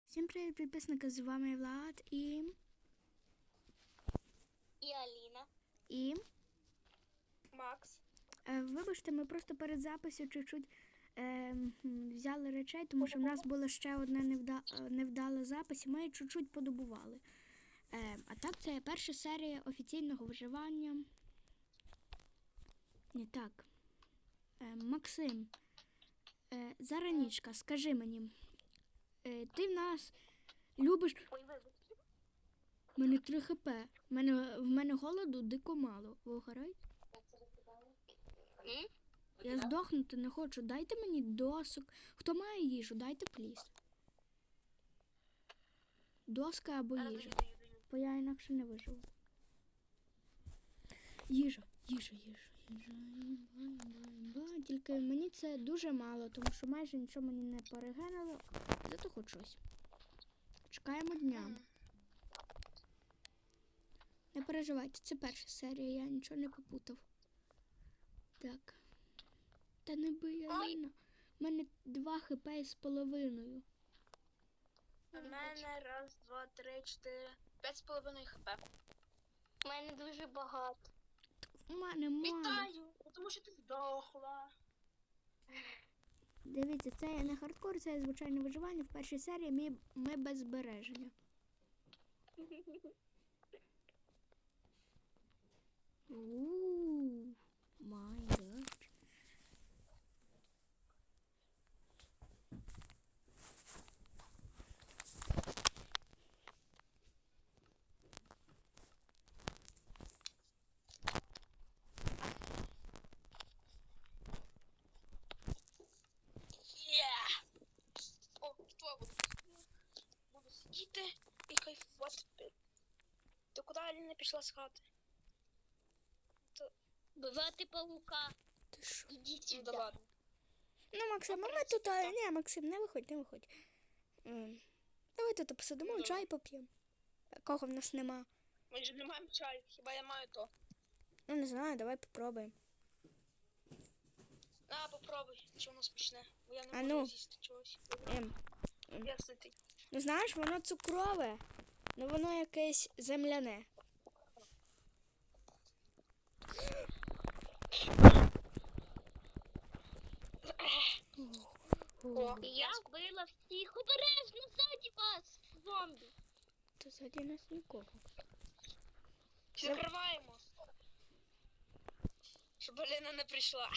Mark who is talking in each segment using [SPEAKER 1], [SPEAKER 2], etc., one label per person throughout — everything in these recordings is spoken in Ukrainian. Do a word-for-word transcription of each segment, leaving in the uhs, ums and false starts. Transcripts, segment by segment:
[SPEAKER 1] Всім привіт, підписники, з вами Влад і...
[SPEAKER 2] І Аліна.
[SPEAKER 1] І...
[SPEAKER 2] Макс.
[SPEAKER 1] Е, вибачте, ми просто перед записом чуть-чуть е, взяли речей, тому що в нас було ще одне невда... невдале запис, і ми її чуть-чуть подобували. Е, а так, це перша серія офіційного виживання. Не так. Е, Максим, е, Заранічка, скажи мені, е, ти в нас любиш...
[SPEAKER 2] Ой, вибачте.
[SPEAKER 1] У мене три хп. В мене, в мене голоду дико мало. Ви охорой?
[SPEAKER 2] М?
[SPEAKER 1] Я здохнути не хочу. Дайте мені досок. Хто має їжу? Дайте пліс. Доска або
[SPEAKER 2] Зараз
[SPEAKER 1] їжа.
[SPEAKER 2] даю, даю, даю.
[SPEAKER 1] Бо я інакше не виживу. Їжа, їжа, їжа, їжа, їжа, їжа. Тільки мені це дуже мало, тому що майже нічого мені не перегенило. Зато хоч щось. Чекаємо дня. Не переживайте, це перша серія, я нічого не попутав. Так. Та не бий, Аліна. У мене два хп з половиною.
[SPEAKER 2] У мене раз, два, три, чотири, п'ять з половиною хп. У мене дуже багато.
[SPEAKER 1] У мене мало.
[SPEAKER 2] Вітаю, тому що ти здохла.
[SPEAKER 1] Дивіться, це не хардкор, це звичайне виживання. В першій серії ми, ми без збереження. Ууу, май гад.
[SPEAKER 2] Yeah. О, що буду? Буду сидіти і кайфувати. Ти куди Аліна пішла з хати? Бивати павука.
[SPEAKER 1] Ти що?
[SPEAKER 2] Ідіть сюди. Ну, да ладно.
[SPEAKER 1] Ну, Максим, а ми тут... А, ні, Максим, не виходь, не виходь. Ем, Давай тут посидимо,
[SPEAKER 2] Ну,
[SPEAKER 1] чай поп'ємо. Кого в нас нема?
[SPEAKER 2] Ми ж не маємо чаю, хіба я маю то.
[SPEAKER 1] Ну, не знаю, давай попробуємо.
[SPEAKER 2] На, попробуй, що воно смачне. Бо я не
[SPEAKER 1] А
[SPEAKER 2] можу
[SPEAKER 1] ну.
[SPEAKER 2] з'їсти чогось.
[SPEAKER 1] Ем,
[SPEAKER 2] Я ситий.
[SPEAKER 1] ну, знаєш, воно цукрове, але воно якесь земляне.
[SPEAKER 2] О, я вбила всіх. Обережно ззаді вас, зомбі.
[SPEAKER 1] Та ззаді нас нікого.
[SPEAKER 2] Закриваємо. Щоб Аліна не прийшла.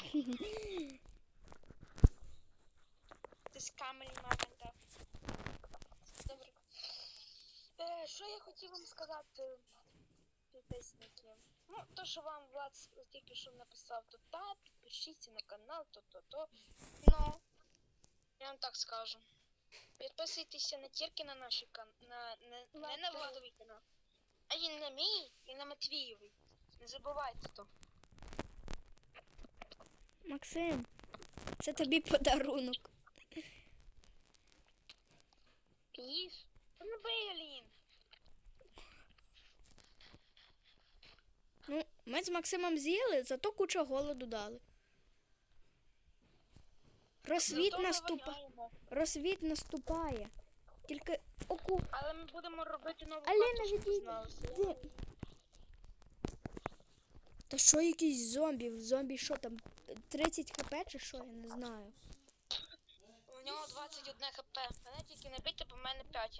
[SPEAKER 2] Ти з камері мамонта. Добре. Е, що я хотів вам сказати, підписники? Ну, то, що вам Влад тільки що написав, то та, підпишіться на канал, то-то-то. Ну, я вам так скажу. Підписуйтеся не тільки на наші канал, на, не, не на Владовий канал, а і на мій, і на Матвієвий. Не забувайте то.
[SPEAKER 1] Максим, це тобі подарунок.
[SPEAKER 2] Їж? Та не бий, Алін.
[SPEAKER 1] Ну, ми з Максимом з'їли, зато куча голоду дали. Розсвіт
[SPEAKER 2] Зато ми
[SPEAKER 1] наступа...
[SPEAKER 2] воняємо.
[SPEAKER 1] Розсвіт наступає. Тільки оку.
[SPEAKER 2] Але ми будемо робити нову
[SPEAKER 1] Аліна,
[SPEAKER 2] карту, щоб ви
[SPEAKER 1] відійди.
[SPEAKER 2] знали.
[SPEAKER 1] Де? Та що якийсь зомбі? В зомбі що там? тридцять хп чи що? Я не знаю.
[SPEAKER 2] У нього двадцять одне хп. Мене тільки не бийте, бо в мене п'ять.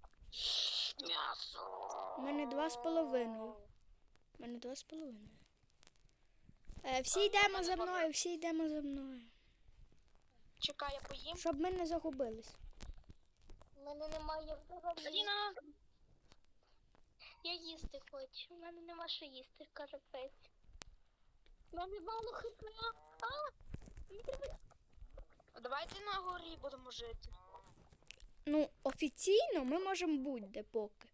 [SPEAKER 2] М'ясо.
[SPEAKER 1] У мене два з половиною. У мене два з половиною. Е, всі йдемо за мною, всі йдемо за мною.
[SPEAKER 2] Чекай, я поїм.
[SPEAKER 1] Щоб ми не загубились.
[SPEAKER 2] У мене немає взагалі. Аліна! Я їсти хочу. У мене нема що їсти, каже пець. У мене мало хп. А! Давайте на горі будемо жити.
[SPEAKER 1] Ну, офіційно ми можемо будь-де поки.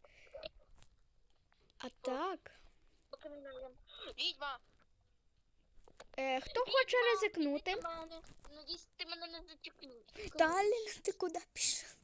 [SPEAKER 1] А так.
[SPEAKER 2] Поки не знаємо. Відьма!
[SPEAKER 1] Е, хто хоче ризикнути?
[SPEAKER 2] Надіюсь, ти мене не зачекнеш.
[SPEAKER 1] Талін, ти куди пішов?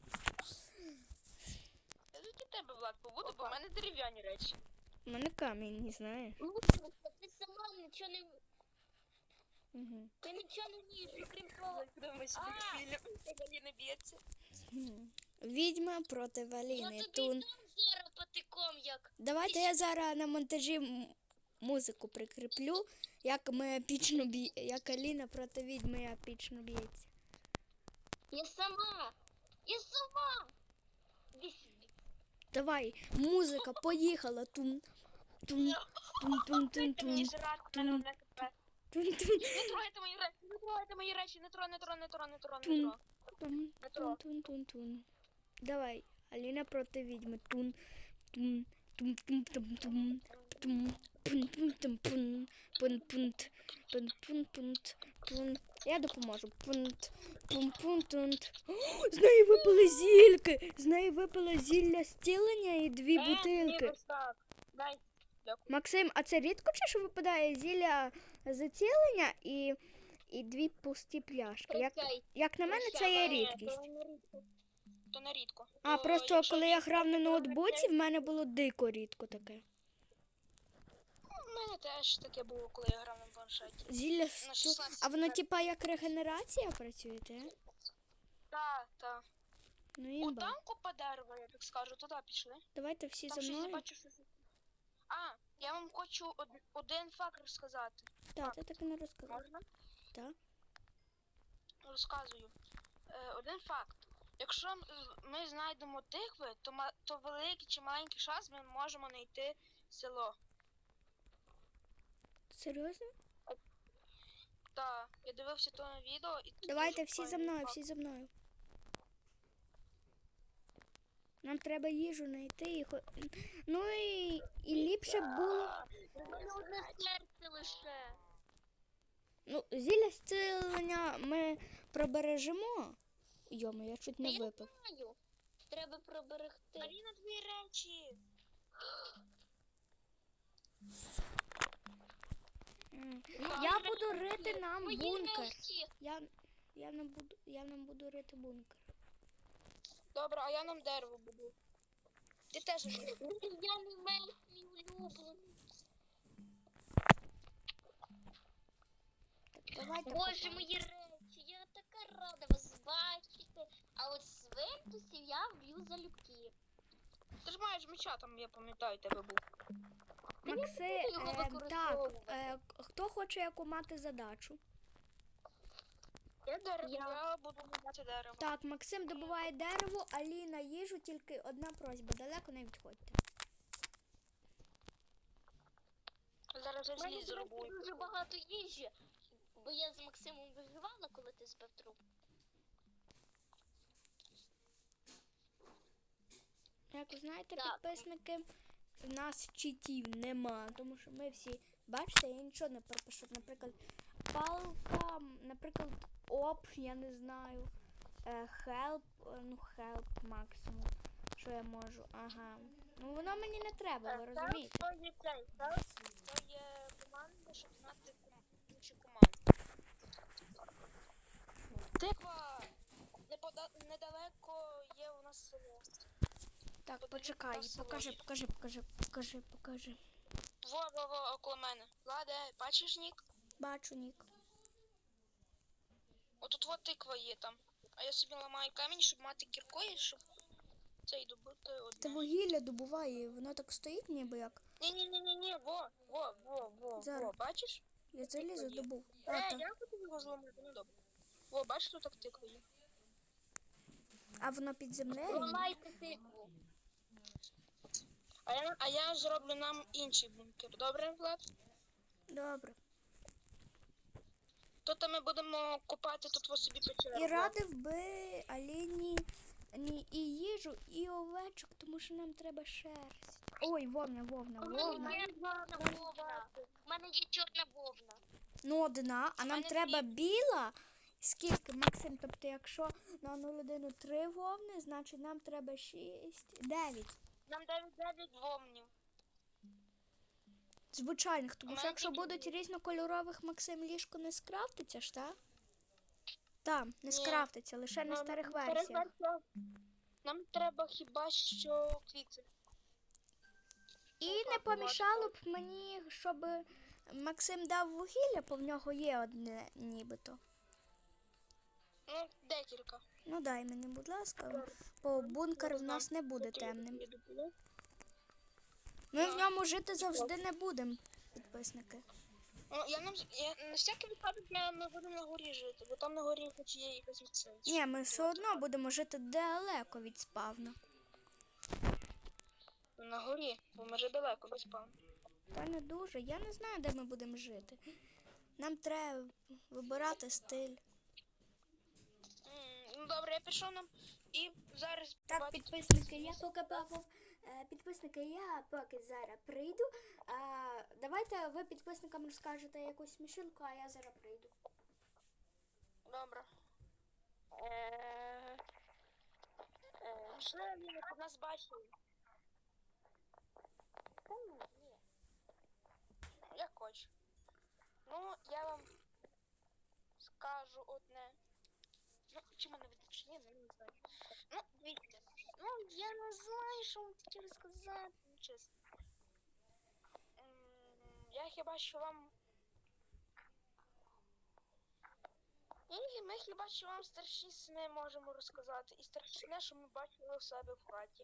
[SPEAKER 2] Я за тебе, Влад, побуду, бо в мене дерев'яні речі.
[SPEAKER 1] У мене камінь, не знаєш.
[SPEAKER 2] Ти сама нічого не...
[SPEAKER 1] Угу.
[SPEAKER 2] Ти нічого не вмієш, окрім того. Подивимось, як фільм, як Аліна б'ється.
[SPEAKER 1] Відьма проти Аліни.
[SPEAKER 3] Я тобі
[SPEAKER 1] Тун.
[SPEAKER 3] дам зараз патиком, як.
[SPEAKER 1] Давайте я зараз на монтажі м- музику прикріплю, як ми епічно б'є, як Аліна проти відьми епічно б'ється.
[SPEAKER 3] Я сама. Я сама. Іди сюди.
[SPEAKER 1] Давай, музика, поїхала. Тун. Тун. Тун тун тун
[SPEAKER 2] Ти мені
[SPEAKER 1] тун.
[SPEAKER 2] жрати, в мене одне хп.
[SPEAKER 1] Тун тун
[SPEAKER 2] Не трогайте мої речі, не трогайте мої речі, не тро, не тро, не тро, не тро, не
[SPEAKER 1] Тун.
[SPEAKER 2] тро.
[SPEAKER 1] тун тун тун тун тун. Давай, Аліна проти відьми. Тун. Тун. Тун тун тун тун. Тун. Пун пун тун пун. Пун пунт. Пун пун пунт. Пун. Я допоможу. Пунт. Пун пун тунт. О, з неї випали зільки. З неї випало зілля зцілення і дві
[SPEAKER 2] Е, ні,
[SPEAKER 1] бутилки.
[SPEAKER 2] ось так. Дай.
[SPEAKER 1] Максим, а це рідко чи що випадає зілля зацілення і, і дві пусті пляшки? Як,
[SPEAKER 3] Прощай.
[SPEAKER 1] як на мене, це є
[SPEAKER 2] Ні,
[SPEAKER 1] рідкість.
[SPEAKER 2] то не рідко. То не рідко.
[SPEAKER 1] А
[SPEAKER 2] То
[SPEAKER 1] просто
[SPEAKER 2] якщо
[SPEAKER 1] коли я
[SPEAKER 2] рідко,
[SPEAKER 1] грав на
[SPEAKER 2] то
[SPEAKER 1] ноутбуці, в
[SPEAKER 2] рідко.
[SPEAKER 1] мене було дико рідко таке.
[SPEAKER 2] У мене теж таке було, коли я грав на планшеті.
[SPEAKER 1] Зілля
[SPEAKER 2] На
[SPEAKER 1] сту...
[SPEAKER 2] шістнадцять
[SPEAKER 1] А воно
[SPEAKER 2] так.
[SPEAKER 1] типа як регенерація працює, те?
[SPEAKER 2] Так, так.
[SPEAKER 1] Ну
[SPEAKER 2] У
[SPEAKER 1] імба.
[SPEAKER 2] танку по дереву, я так скажу, туди пішли.
[SPEAKER 1] Давайте всі
[SPEAKER 2] Там
[SPEAKER 1] за
[SPEAKER 2] щось я
[SPEAKER 1] мною.
[SPEAKER 2] бачу, що... А, я вам хочу од- один факт розказати.
[SPEAKER 1] Так, ти так і не розказав.
[SPEAKER 2] Можна?
[SPEAKER 1] Так.
[SPEAKER 2] Розказую. Е, один факт. Якщо м- ми знайдемо тикви, то, ма- то великий чи маленький шанс ми можемо знайти село.
[SPEAKER 1] Серйозно?
[SPEAKER 2] Так, я дивився то на відео і тут
[SPEAKER 1] Давайте
[SPEAKER 2] дуже
[SPEAKER 1] всі за
[SPEAKER 2] файний
[SPEAKER 1] мною,
[SPEAKER 2] факт.
[SPEAKER 1] всі за мною. Нам треба їжу знайти і хо... Ну і, і ліпше б було.
[SPEAKER 3] У мене одне серце лише.
[SPEAKER 1] Ну, зілля зцілення ми пробережемо. Йомо, я чуть
[SPEAKER 3] Та
[SPEAKER 1] не
[SPEAKER 3] я
[SPEAKER 1] випив.
[SPEAKER 3] знаю. Треба проберегти.
[SPEAKER 2] Аліна, дві речі.
[SPEAKER 1] М.
[SPEAKER 3] Ну,
[SPEAKER 1] Я
[SPEAKER 3] мої
[SPEAKER 1] буду
[SPEAKER 3] речі.
[SPEAKER 1] рити нам
[SPEAKER 3] Мої
[SPEAKER 1] бункер.
[SPEAKER 3] речі.
[SPEAKER 1] Я, я, нам буду, я нам буду рити бункер.
[SPEAKER 2] Добре, а я нам дерево буду. Ти теж будеш.
[SPEAKER 3] Я не мель мій улюблений.
[SPEAKER 1] Так, давайте
[SPEAKER 3] Боже,
[SPEAKER 1] копаємо.
[SPEAKER 3] мої речі, я така рада вас бачити. А от свинтусів я вб'ю залюбки.
[SPEAKER 2] Ти ж маєш меча там, я пам'ятаю, тебе був.
[SPEAKER 1] Макси,
[SPEAKER 3] буду його
[SPEAKER 1] е, так,
[SPEAKER 3] використовувати.
[SPEAKER 1] е, хто хоче яку мати задачу?
[SPEAKER 2] Я дерево,
[SPEAKER 3] Я-
[SPEAKER 2] я буду будувати дерево.
[SPEAKER 1] Так, Максим добуває дерево, Аліна їжу, тільки одна просьба, далеко не відходьте.
[SPEAKER 2] Зараз я
[SPEAKER 3] У мене
[SPEAKER 2] зліз
[SPEAKER 3] до речі,
[SPEAKER 2] зробую.
[SPEAKER 3] дуже багато їжі, бо я з Максимом виживала, коли ти збив труп.
[SPEAKER 1] Як ви знаєте,
[SPEAKER 3] Так.
[SPEAKER 1] підписники, в нас читів нема, тому що ми всі, бачите, я нічого не пропишу. Наприклад, палка, наприклад, оп, я не знаю, е, help, е, ну help максимум, що я можу, ага. Ну воно мені не треба, ви розумієте?
[SPEAKER 2] То є цей, так? То є команда, щоб знати ком- інші команди. Тиква! Непода- Недалеко є у нас село.
[SPEAKER 1] Так,
[SPEAKER 2] Подивіться
[SPEAKER 1] почекай,
[SPEAKER 2] на село.
[SPEAKER 1] покажи, покажи, покажи, покажи, покажи.
[SPEAKER 2] Во-во-во, около мене. Владе, бачиш нік?
[SPEAKER 1] Бачу, Нік.
[SPEAKER 2] Отут от тиква є там. А я собі ламаю камінь, щоб мати кіркою, щоб цей добути
[SPEAKER 1] Та
[SPEAKER 2] одне.
[SPEAKER 1] вугілля добуває, воно так стоїть ніби як.
[SPEAKER 2] Ні-ні-ні-ні, во, во, во, во,
[SPEAKER 1] Зараз.
[SPEAKER 2] во, бачиш?
[SPEAKER 1] Я залізу
[SPEAKER 2] є.
[SPEAKER 1] добув. А,
[SPEAKER 2] Е,
[SPEAKER 1] так.
[SPEAKER 2] я хотів його зламати, ну добре. Во, бачиш, тут так тиква є.
[SPEAKER 1] А воно під землею?
[SPEAKER 3] Ламайте тикву.
[SPEAKER 2] А я, а я зроблю нам інший бункер. Добре, Влад?
[SPEAKER 1] Добре.
[SPEAKER 2] Тут ми будемо купати тут во собі печеру.
[SPEAKER 1] І радив би Аліні ні, і їжу, і овечок, тому що нам треба шерсть. Ой, вовна, вовна,
[SPEAKER 3] У мене
[SPEAKER 1] вовна.
[SPEAKER 3] є чорна вовна. У мене є чорна вовна.
[SPEAKER 1] Ну, одна, а нам
[SPEAKER 2] мене
[SPEAKER 1] треба біла. Скільки, Максим? Тобто, якщо на одну людину три вовни, значить нам треба шість, дев'ять.
[SPEAKER 2] Нам дев'ять дев'ять вовнів.
[SPEAKER 1] Звичайних, тому
[SPEAKER 2] У
[SPEAKER 1] що
[SPEAKER 2] мене
[SPEAKER 1] якщо
[SPEAKER 2] тільки
[SPEAKER 1] будуть
[SPEAKER 2] дві.
[SPEAKER 1] різнокольорових, Максим, ліжко не скрафтиться ж, так? Так, не
[SPEAKER 2] Ні.
[SPEAKER 1] скрафтиться, лише на
[SPEAKER 2] Нам-
[SPEAKER 1] старих
[SPEAKER 2] старих
[SPEAKER 1] версіях.
[SPEAKER 2] версіях Нам треба хіба що квіти.
[SPEAKER 1] І не помішало б мені, щоб Максим дав вугілля, бо в нього є одне нібито.
[SPEAKER 2] Ну, декілька.
[SPEAKER 1] Ну дай мені, будь ласка, бо бункер в нас не буде темним. Ми в ньому жити завжди не будемо, підписники.
[SPEAKER 2] Ну, я на, я, на всякий випадок я не буду на горі жити, бо там на горі хоч є якась відсилка.
[SPEAKER 1] Ні, ми все одно будемо жити далеко від спавну.
[SPEAKER 2] На горі, бо ми вже далеко без спавну.
[SPEAKER 1] Та не дуже. Я не знаю, де ми будемо жити. Нам треба вибирати стиль.
[SPEAKER 2] М, Ну добре, я пішов нам і зараз
[SPEAKER 1] Так,
[SPEAKER 2] побачите-
[SPEAKER 1] підписники, я поки папов, е, підписники, я поки зараз прийду. А, давайте ви підписникам розкажете якусь смішилку, а я зараз прийду.
[SPEAKER 2] Добре. Е, е, Вже Аліна тут нас бачили.
[SPEAKER 3] Та ні, ні.
[SPEAKER 2] Як хоч. Ну, я вам скажу одне. Ну, чи мене виключені, ну, не знаю. Ну, дивіться. Ну, я не знаю, що вам хотіли сказати, ну, чесно. М, Я хіба що вам... І ми хіба що вам страшні сни можемо розказати. І страшне, що ми бачили у себе в хаті.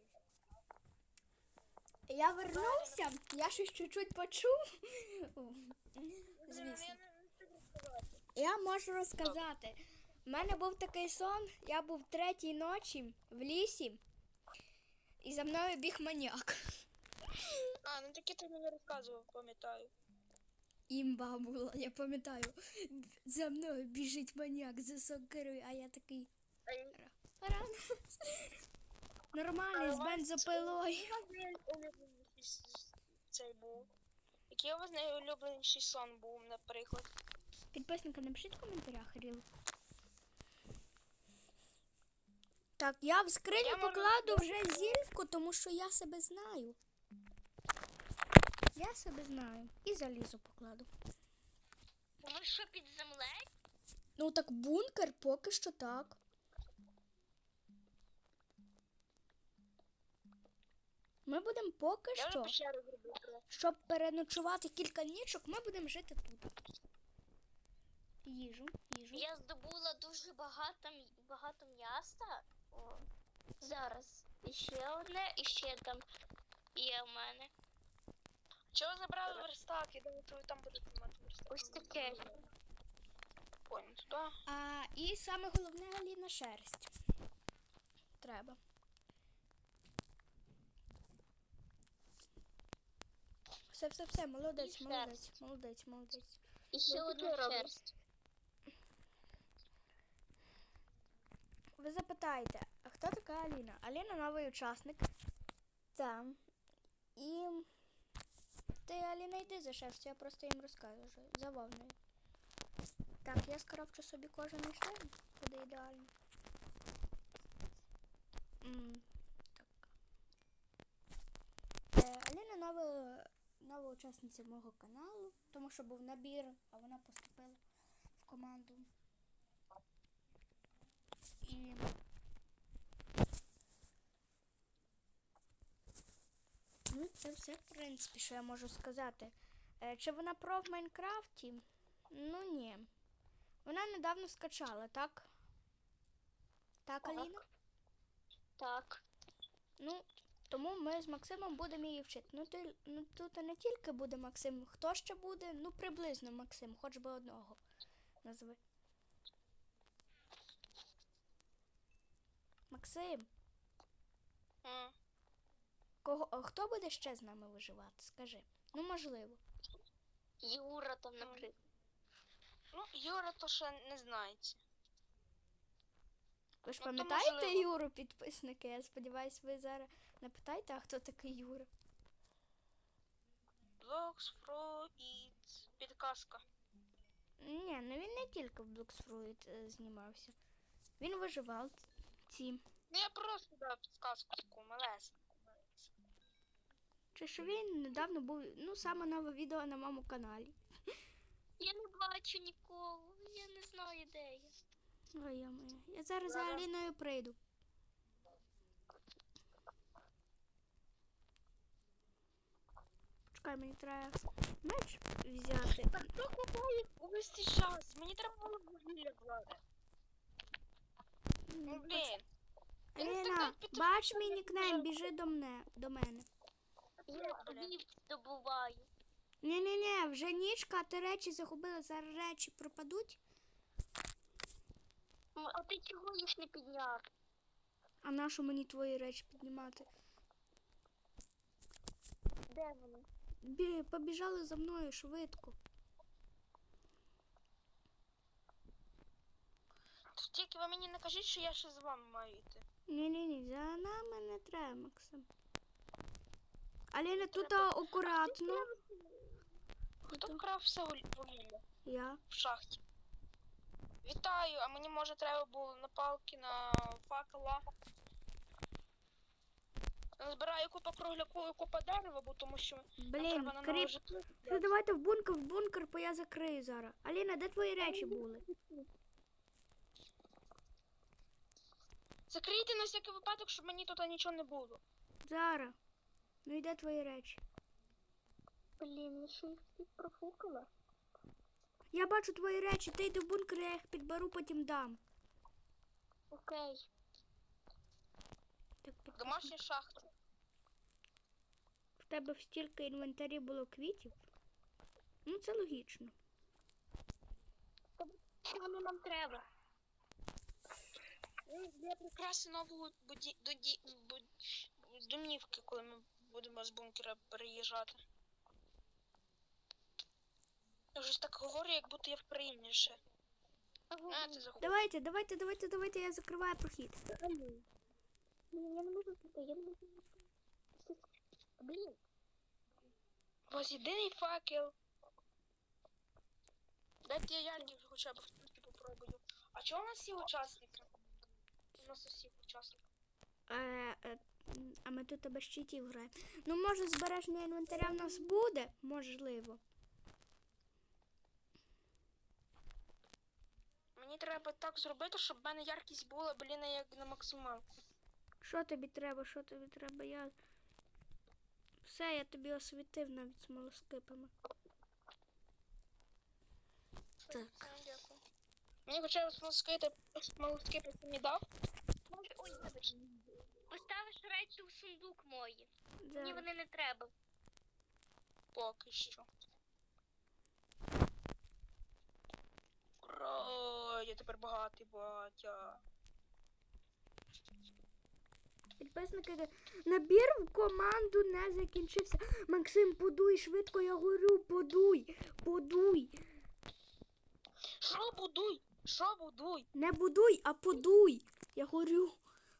[SPEAKER 1] Я вернувся, я щось чуть-чуть почув. Звісно.
[SPEAKER 2] Я не, не встиг розказати.
[SPEAKER 1] Я можу розказати. У мене був такий сон, я був третій ночі в лісі, і за мною біг маніяк.
[SPEAKER 2] А, ну таки ти мені розказував, пам'ятаю.
[SPEAKER 1] Імба була, я пам'ятаю. За мною біжить маніяк за сокирою, а я такий. Рано. Нормальний, з бензопилою.
[SPEAKER 2] Який у вас найулюбленіший с- цей був? Який у вас найулюбленіший сон був, наприклад?
[SPEAKER 1] Підписники, напишіть в коментарях, Ріл. Так, я в скриню
[SPEAKER 2] Я можу-
[SPEAKER 1] покладу вже зільку, тому що я себе знаю. Я себе знаю. І залізо покладу.
[SPEAKER 3] Ви що, під землею?
[SPEAKER 1] Ну так бункер поки що так. Ми будемо поки
[SPEAKER 2] Я вже
[SPEAKER 1] що,
[SPEAKER 2] пещеру зробив.
[SPEAKER 1] щоб переночувати кілька нічок, ми будемо жити тут. Їжу, їжу.
[SPEAKER 3] Я здобула дуже багато, м- багато м'яса. О, зараз. І ще одне, і ще там є в мене.
[SPEAKER 2] Чого забрали верстак? Я думаю, ви там будете мати верстак.
[SPEAKER 3] Ось таке.
[SPEAKER 2] Понял, туди.
[SPEAKER 1] А, і саме головне, Аліна, шерсть. Треба. Все, все, все, молодець,
[SPEAKER 3] І
[SPEAKER 1] молодець,
[SPEAKER 3] шерсть.
[SPEAKER 1] молодець, молодець.
[SPEAKER 3] І ще
[SPEAKER 2] Ну,
[SPEAKER 3] одна
[SPEAKER 2] таке роблю.
[SPEAKER 3] шерсть.
[SPEAKER 1] Ви запитаєте, а хто така Аліна? Аліна новий учасник. Так. І ти, Аліна, йди за шерстю, я просто їм розкажу. За вовною. Так, я скрафчу собі кожаний шлем. Буде ідеально. М, так. Е, Аліна нова, нова учасниця мого каналу, тому що був набір, а вона поступила в команду. І ну, це все, в принципі, що я можу сказати. Е, чи вона про в Майнкрафті? Ну, ні. Вона недавно скачала, так? Так,
[SPEAKER 3] Так.
[SPEAKER 1] Аліна?
[SPEAKER 3] Так.
[SPEAKER 1] Ну, тому ми з Максимом будемо її вчити. Ну, ти, ну тут не тільки буде Максим, хто ще буде? Ну, приблизно Максим, хоч би одного назви. Максим,
[SPEAKER 2] М.
[SPEAKER 1] кого, а хто буде ще з нами виживати? Скажи. Ну, можливо.
[SPEAKER 3] Юра там, наприклад.
[SPEAKER 2] Ну, Юра то ще не знається.
[SPEAKER 1] Ви ж
[SPEAKER 2] Ну, то
[SPEAKER 1] пам'ятаєте
[SPEAKER 2] можливо.
[SPEAKER 1] Юру, підписники? Я сподіваюся, ви зараз не питаєте, а хто такий Юра?
[SPEAKER 2] Blocks, Fruit, підказка.
[SPEAKER 1] Ні, ну він не тільки в Bloxfruit е, знімався. Він виживав ці.
[SPEAKER 2] Ну, я просто дав підказку таку малесеньку.
[SPEAKER 1] Чи що він недавно був, ну, саме нове відео на моєму каналі.
[SPEAKER 3] Я не бачу нікого. Я не знаю, де я.
[SPEAKER 1] Ой, я моя. Я зараз за
[SPEAKER 2] Ага.
[SPEAKER 1] Аліною прийду. Почекай, мені треба меч взяти.
[SPEAKER 2] Так хто ховає увесь цей час? Мені треба було вугілля брати. Ну, блін.
[SPEAKER 1] Аліна, бач мій нікнейм, біжи до мене. До мене.
[SPEAKER 3] Я тобі добуваю.
[SPEAKER 1] Ні-ні-ні, вже нічка, а ти речі загубила, зараз речі пропадуть.
[SPEAKER 3] М, А ти чого їх не підняв?
[SPEAKER 1] А нащо мені твої речі піднімати?
[SPEAKER 3] Де вони?
[SPEAKER 1] Бі, побіжали за мною швидко.
[SPEAKER 2] Тільки ви мені не кажіть, що я ще з вами маю йти.
[SPEAKER 1] Ні-ні-ні, за нами не треба, Максим. Аліна, тут акуратно.
[SPEAKER 2] Хто вкрав все гуль- вугілля
[SPEAKER 1] Я.
[SPEAKER 2] в шахті? Вітаю, а мені може треба було на палки, на факела. Збираю купа кругляку і купа дерева, бо тому що нам
[SPEAKER 1] Блін,
[SPEAKER 2] треба на нове
[SPEAKER 1] кріп.
[SPEAKER 2] житло.
[SPEAKER 1] Ну, давайте в бункер, в бункер, бо я закрию зараз. Аліна, де твої речі були?
[SPEAKER 2] Закрийте на всякий випадок, щоб мені тут нічого не було.
[SPEAKER 1] Зараз. Ну і де твої речі?
[SPEAKER 3] Блін, я ще їх всіх профукала.
[SPEAKER 1] Я бачу твої речі, ти йди в бункер, я їх підберу, потім дам.
[SPEAKER 3] Окей.
[SPEAKER 1] Так, підпис-
[SPEAKER 2] Домашні шахти.
[SPEAKER 1] В тебе в стільки інвентарі було квітів? Ну, це логічно.
[SPEAKER 3] Що вони нам треба?
[SPEAKER 2] Ну, Для прикраси нового буді... доді... буд- домівки, коли ми будемо з бункера переїжджати. Я вже так говорю, як будто я в країні ще. А, ти заходь.
[SPEAKER 1] Давайте, давайте, давайте, давайте, я закриваю прохід.
[SPEAKER 3] Блін, я не можу піти, я не можу піти. Блін.
[SPEAKER 2] У вас єдиний факел. Дайте я яркий хоча б втільки попробую. А чого у нас всі учасники? У нас усіх учасників.
[SPEAKER 1] Е, е, м, а ми тут без щитів граємо. Ну, може, збереження інвентаря в нас буде? Можливо.
[SPEAKER 2] Мені треба так зробити, щоб в мене яркість була, блін, як на максималку.
[SPEAKER 1] Що тобі треба, що тобі треба? Я... Все, я тобі освітив навіть смолоскипами. Так.
[SPEAKER 2] Все, дякую. Мені хоча б смолоскипи, смолоскипи ти не дав?
[SPEAKER 3] Може, ой, вибач. Поставиш речі у сундук мої. Мені
[SPEAKER 1] Зараз.
[SPEAKER 3] вони не треба.
[SPEAKER 2] Поки що. Ура, я тепер багатий батя.
[SPEAKER 1] Підписники, набір в команду не закінчився. Максим, подуй, швидко, я горю, подуй, подуй.
[SPEAKER 2] Що будуй? Що будуй?
[SPEAKER 1] Не будуй, а подуй. Я горю.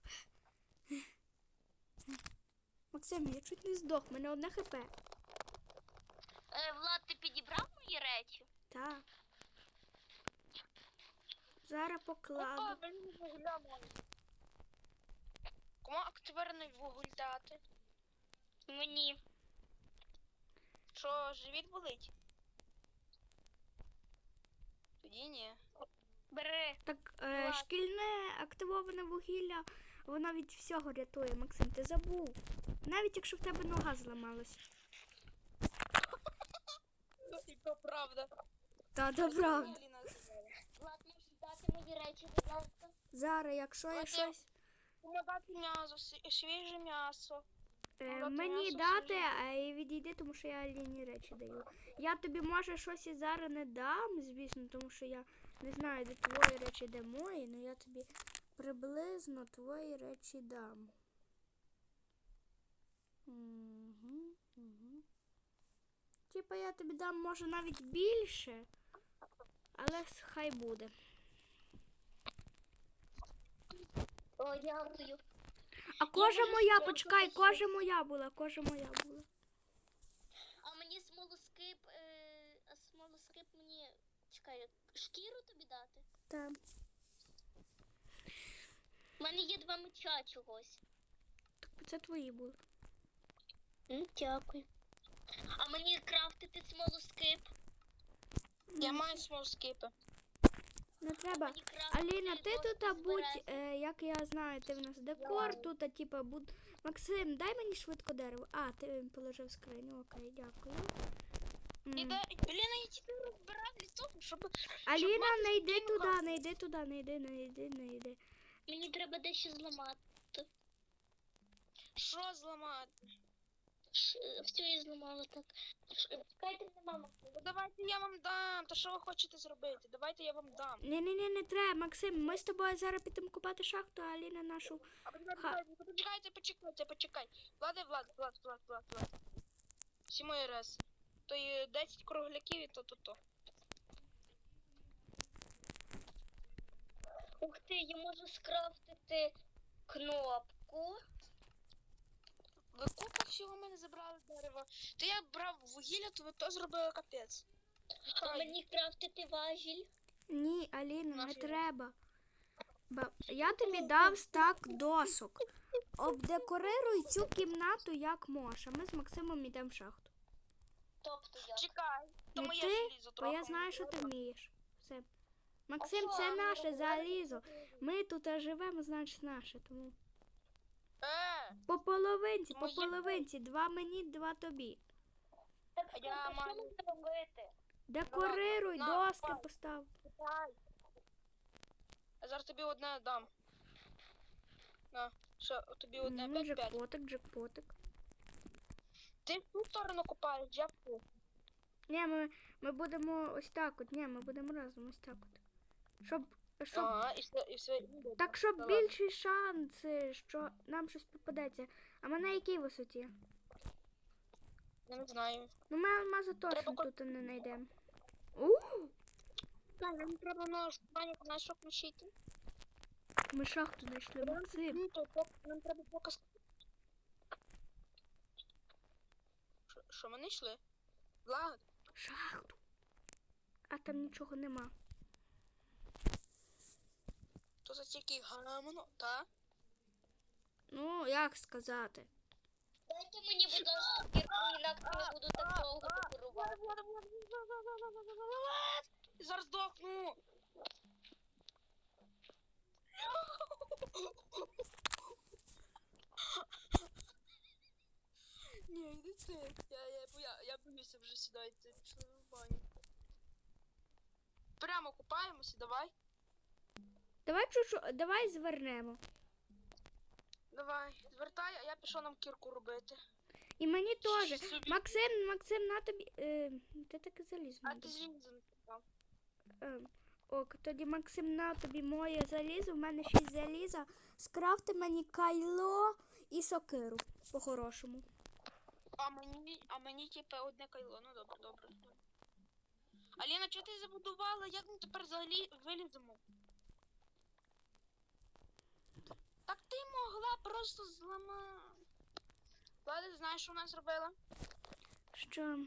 [SPEAKER 1] Максим, я чуть не здох, в мене одне хп.
[SPEAKER 3] Е, Влад, ти підібрав мої речі?
[SPEAKER 1] Так. Зараз
[SPEAKER 2] Опа,
[SPEAKER 1] покладу.
[SPEAKER 2] блін, вугля маю. Кому активірний вуголь дати?
[SPEAKER 3] Мені.
[SPEAKER 2] Що, живіт болить? Тоді ні.
[SPEAKER 3] Бери.
[SPEAKER 1] Так, е,
[SPEAKER 3] Ладно.
[SPEAKER 1] шкільне активоване вугілля, воно від всього рятує, Максим, ти забув. Навіть якщо в тебе нога зламалась.
[SPEAKER 2] І то правда.
[SPEAKER 1] Та, то правда.
[SPEAKER 2] Аліна сказала.
[SPEAKER 3] Влад, можеш дати мої речі, будь ласка?
[SPEAKER 1] Зараз, якщо я
[SPEAKER 2] Ладно.
[SPEAKER 1] щось
[SPEAKER 2] Кому дати м'ясо, сві- свіже м'ясо.
[SPEAKER 1] е,
[SPEAKER 2] Дати
[SPEAKER 1] мені
[SPEAKER 2] м'ясо,
[SPEAKER 1] дати,
[SPEAKER 2] свіже.
[SPEAKER 1] а і відійди, тому що я Аліні речі даю. Я тобі, може, щось і зараз не дам, звісно, тому що я не знаю, де твої речі, де мої, але я тобі приблизно твої речі дам. Угу, угу. Типа я тобі дам, може, навіть більше, але с- хай буде.
[SPEAKER 3] О, дякую.
[SPEAKER 1] А кожа
[SPEAKER 3] можу
[SPEAKER 1] моя,
[SPEAKER 3] спробувати
[SPEAKER 1] почекай,
[SPEAKER 3] ще.
[SPEAKER 1] кожа моя була, кожа моя була.
[SPEAKER 3] А мені смолоскип, е, а смолоскип мені, чекай, шкіру тобі дати?
[SPEAKER 1] Так.
[SPEAKER 3] У мене є два меча чогось.
[SPEAKER 1] Це твої були.
[SPEAKER 3] Ну, дякую. А мені крафтити смолоскип?
[SPEAKER 2] Я маю смолоскипи.
[SPEAKER 1] Не треба.
[SPEAKER 3] Мені крафтити
[SPEAKER 1] Аліна, ти
[SPEAKER 3] доску
[SPEAKER 1] тут, а будь,
[SPEAKER 3] збирати.
[SPEAKER 1] е, як я знаю, ти в нас декор тут, а типа будь. Максим, дай мені швидко дерево. А, ти положив скриню, окей, дякую. М.
[SPEAKER 2] Іде, блін, я тільки розбираю з того, щоб...
[SPEAKER 1] Аліна,
[SPEAKER 2] мати
[SPEAKER 1] не йди
[SPEAKER 2] спокійну
[SPEAKER 1] туди,
[SPEAKER 2] хату.
[SPEAKER 1] не йди туди, не йди, не йди, не йди.
[SPEAKER 3] Мені треба дещо зламати.
[SPEAKER 2] Що зламати?
[SPEAKER 3] Ш- Все я зламала так. Ш- Чекайте, нема Максим.
[SPEAKER 2] Ну давайте я вам дам. Та що ви хочете зробити? Давайте я вам дам.
[SPEAKER 1] Ні, ні, ні, не треба, Максим. Ми з тобою зараз підемо купати шахту, а Аліна нашу.
[SPEAKER 2] А почекайте,
[SPEAKER 1] Ха.
[SPEAKER 2] почекайте, почекайте, почекайте, почекай. Влади, Влад, Влад, Влад, Влад, Влад. Всі мої реси. То є десять кругляків і то-то-то.
[SPEAKER 3] Ух ти, я можу скрафтити кнопку.
[SPEAKER 2] Ви купа всього в мене забрали дерева. То я брав вугілля, то ви то зробили капець.
[SPEAKER 3] А мені крафтити важіль.
[SPEAKER 1] Ні, Аліна, не
[SPEAKER 2] Нафіг?
[SPEAKER 1] треба. Ба- Я тобі дав стак досок. Обдекорируй цю кімнату як можеш. А ми з Максимом йдемо в шахту.
[SPEAKER 3] Тобто я.
[SPEAKER 2] Чекай, то
[SPEAKER 1] Не
[SPEAKER 2] моє
[SPEAKER 1] ти,
[SPEAKER 2] желізо
[SPEAKER 1] Бо
[SPEAKER 2] трохи.
[SPEAKER 1] я знаю, що ти вмієш. Все. Максим,
[SPEAKER 3] що,
[SPEAKER 1] це
[SPEAKER 3] ми
[SPEAKER 1] наше
[SPEAKER 3] робимо?
[SPEAKER 1] залізо. Ми тут живемо, значить наше. Тому
[SPEAKER 2] Е,
[SPEAKER 1] по половинці, по
[SPEAKER 2] Моє-
[SPEAKER 1] половинці. Два мені, два тобі.
[SPEAKER 3] Так
[SPEAKER 2] А
[SPEAKER 3] що,
[SPEAKER 2] я
[SPEAKER 3] що
[SPEAKER 2] маю-
[SPEAKER 3] мені робити?
[SPEAKER 1] Декорируй,
[SPEAKER 2] на,
[SPEAKER 1] доски
[SPEAKER 2] давай.
[SPEAKER 1] постав.
[SPEAKER 2] я зараз тобі одне дам. На, ще тобі одне
[SPEAKER 1] М,
[SPEAKER 2] п'ять-п'ять.
[SPEAKER 1] Джекпотик, джекпотик.
[SPEAKER 2] Ти в ту сторону копаєш, я в ту.
[SPEAKER 1] Ні, ми, ми будемо ось так от. Ні, ми будемо разом ось так от. Щоб, щоб
[SPEAKER 2] Ага, і все, і все.
[SPEAKER 1] Так, щоб
[SPEAKER 2] Та ладно.
[SPEAKER 1] більші шанси, що нам щось попадеться. А ми на якій висоті?
[SPEAKER 2] Я не знаю.
[SPEAKER 1] Ну ми алмази точно
[SPEAKER 2] Треба ко-
[SPEAKER 1] тут не знайдемо. Ууу!
[SPEAKER 2] Так, нам треба на штанік, знаєш, що включити?
[SPEAKER 1] Ми шахту знайшли, Максим.
[SPEAKER 2] Ну, то пок- нам треба поки... ск- Що- Що ми не йшли? Влад,
[SPEAKER 1] Шахту. А там нічого нема.
[SPEAKER 2] то за тільки гамно, та?
[SPEAKER 1] Ну, як сказати?
[SPEAKER 3] Дайте мені, будь ласка, кірку, інакше я буду так довго декорувати.
[SPEAKER 2] Влад, Влад, Влад, Влад, Влад, Влад, Влад, Влад, Влад! Зараз здохну! Ні, йди це. Я, я, я, я боюся вже сюди йти, пішли в баню. Прямо купаємося, давай.
[SPEAKER 1] Давай чуть-чуть, давай звернемо.
[SPEAKER 2] Давай, звертай, а я пішов нам кірку робити.
[SPEAKER 1] І мені теж.
[SPEAKER 2] Собі.
[SPEAKER 1] Максим, Максим, на тобі. Е, ти таке залізо.
[SPEAKER 2] А
[SPEAKER 1] не
[SPEAKER 2] ти
[SPEAKER 1] дав.
[SPEAKER 2] залізо не купав.
[SPEAKER 1] Е, ок, тоді Максим, на тобі моє залізо. В мене шість заліза. Скрафти мені кайло і сокиру. По-хорошому.
[SPEAKER 2] А мені, а мені типу одне кайло. Ну добре, добре. добре. Аліна, чого ти забудувала? Як ми тепер взагалі виліземо? Так ти могла просто зламати. Влада, знаєш, що вона зробила?
[SPEAKER 1] Що?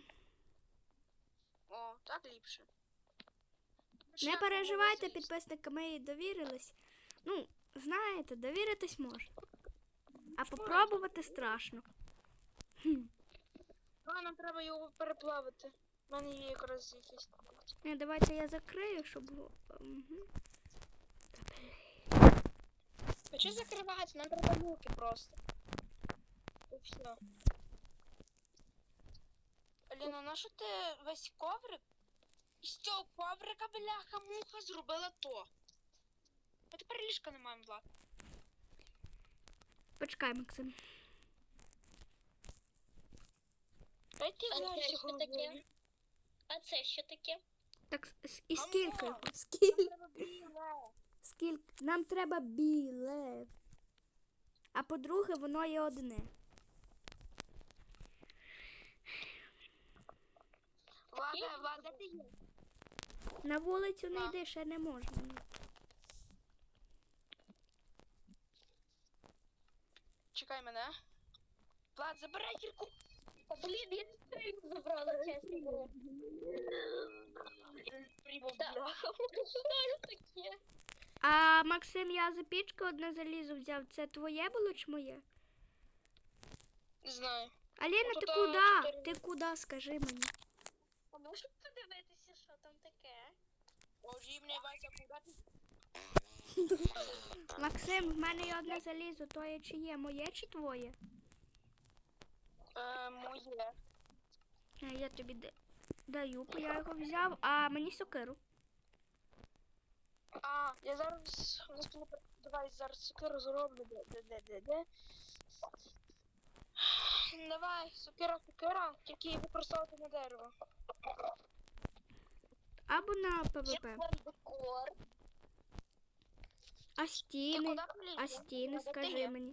[SPEAKER 2] О, так ліпше.
[SPEAKER 1] Не переживайте, підписники, ми їй довірились. Ну, знаєте, довіритись можна. А попробувати страшно. Хм.
[SPEAKER 2] А, нам треба його переплавити. У мене є якраз якісь.
[SPEAKER 1] Не, давайте я закрию, щоб. Угу.
[SPEAKER 2] А що закривати? Нам треба люки просто. І все. Аліна, на що ти весь коврик? З цього коврика, бляха-муха, зробила то. А тепер ліжка не маємо, Влад.
[SPEAKER 1] Почекай, Максим.
[SPEAKER 2] Дай ти
[SPEAKER 3] А це
[SPEAKER 2] знаєш,
[SPEAKER 3] що
[SPEAKER 2] його
[SPEAKER 3] таке?
[SPEAKER 2] голові.
[SPEAKER 3] А це що таке?
[SPEAKER 1] Так, с- і
[SPEAKER 2] А
[SPEAKER 1] скільки?
[SPEAKER 2] ну!
[SPEAKER 1] Скільки?
[SPEAKER 2] Треба біле.
[SPEAKER 1] Скільки? Нам треба біле. А по-друге, воно є одне.
[SPEAKER 2] Влада, Влада, ти є?
[SPEAKER 1] На вулицю не
[SPEAKER 2] На.
[SPEAKER 1] йди, ще не можна.
[SPEAKER 2] Чекай мене. Влад, забирай кірку.
[SPEAKER 3] О, блін, я стрільку забрала, чесно. говоря.
[SPEAKER 2] Прибув,
[SPEAKER 3] Так.
[SPEAKER 2] бляха.
[SPEAKER 3] Що таке?
[SPEAKER 1] А Максим, я за пічку одне залізо взяв. Це твоє було чи моє?
[SPEAKER 2] Не знаю.
[SPEAKER 1] Аліна,
[SPEAKER 2] Ну,
[SPEAKER 1] ти
[SPEAKER 2] то
[SPEAKER 1] куди?
[SPEAKER 2] чотири.
[SPEAKER 1] Ти куди, скажи мені.
[SPEAKER 3] А можу подивитися, що там таке?
[SPEAKER 2] Боже, мені Вася, куди ти?
[SPEAKER 1] Максим, в мене є одне залізо, то є чи є? Моє чи твоє?
[SPEAKER 2] Е, моє.
[SPEAKER 1] Е, Я тобі да- даю, бо я його взяв, а мені сокиру.
[SPEAKER 2] А, я зараз... Давай зараз сокиру зроблю. Де, де, де, де, де. Давай, сокира, сокира, тільки використовувати на дерево.
[SPEAKER 1] Або на
[SPEAKER 3] Є
[SPEAKER 1] ПВП.
[SPEAKER 3] декор.
[SPEAKER 1] А
[SPEAKER 2] Ти
[SPEAKER 1] стіни?
[SPEAKER 2] куди поліз?
[SPEAKER 1] А стіни,
[SPEAKER 3] Де ти
[SPEAKER 1] скажи
[SPEAKER 3] є?
[SPEAKER 1] мені.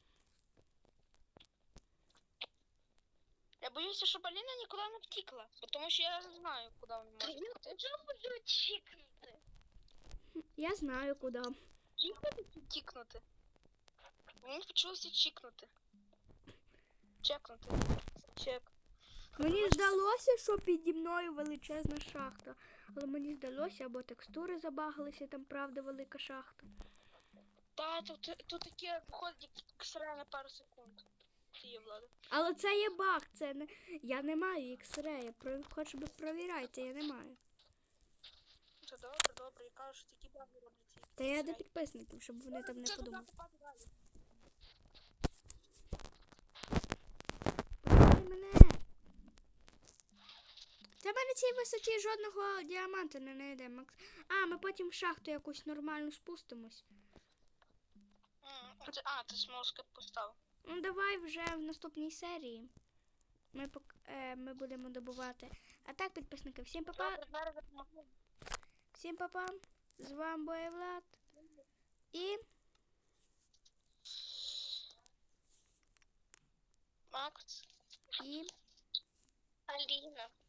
[SPEAKER 2] Я боюся, щоб Аліна нікуди не втікла, бо тому що я знаю, куди вона може
[SPEAKER 3] Я
[SPEAKER 2] втекти.
[SPEAKER 3] вже буду чікнути.
[SPEAKER 1] Я знаю куди.
[SPEAKER 2] Чікнути чи тікнути? Мені почулося чікнути. Чекнути. Чек.
[SPEAKER 1] Мені здалося, що піді мною величезна шахта. Але мені здалося, або текстури забагалися, там правда велика шахта.
[SPEAKER 2] Та, тут, тут таке виходить як ікс-рей на пару секунд. Ти є, Влада.
[SPEAKER 1] Але це є баг, це не. Я не маю ікс-рея. Про... Хоч би провіряйте, я не маю.
[SPEAKER 2] Це добре, добре, я кажу, що такі баги роблять ці
[SPEAKER 1] Та я до
[SPEAKER 2] X-ray.
[SPEAKER 1] підписників, щоб вони там не
[SPEAKER 2] Це туди
[SPEAKER 1] подумали.
[SPEAKER 2] попаде далі.
[SPEAKER 1] Пусти мене. Та в мене цій висоті жодного діаманта не знайде, Макс. А, ми потім в шахту якусь нормальну спустимось.
[SPEAKER 2] М, а ти- А, ти смолоскип поставив.
[SPEAKER 1] Ну давай вже в наступній серії. Ми, пок... е, ми будемо добувати. А так, підписники, всім па-па.
[SPEAKER 2] Добре, зараз допомогу.
[SPEAKER 1] Всім па-па. З вами Боєвлад. І
[SPEAKER 2] Макс.
[SPEAKER 1] і
[SPEAKER 3] Аліна.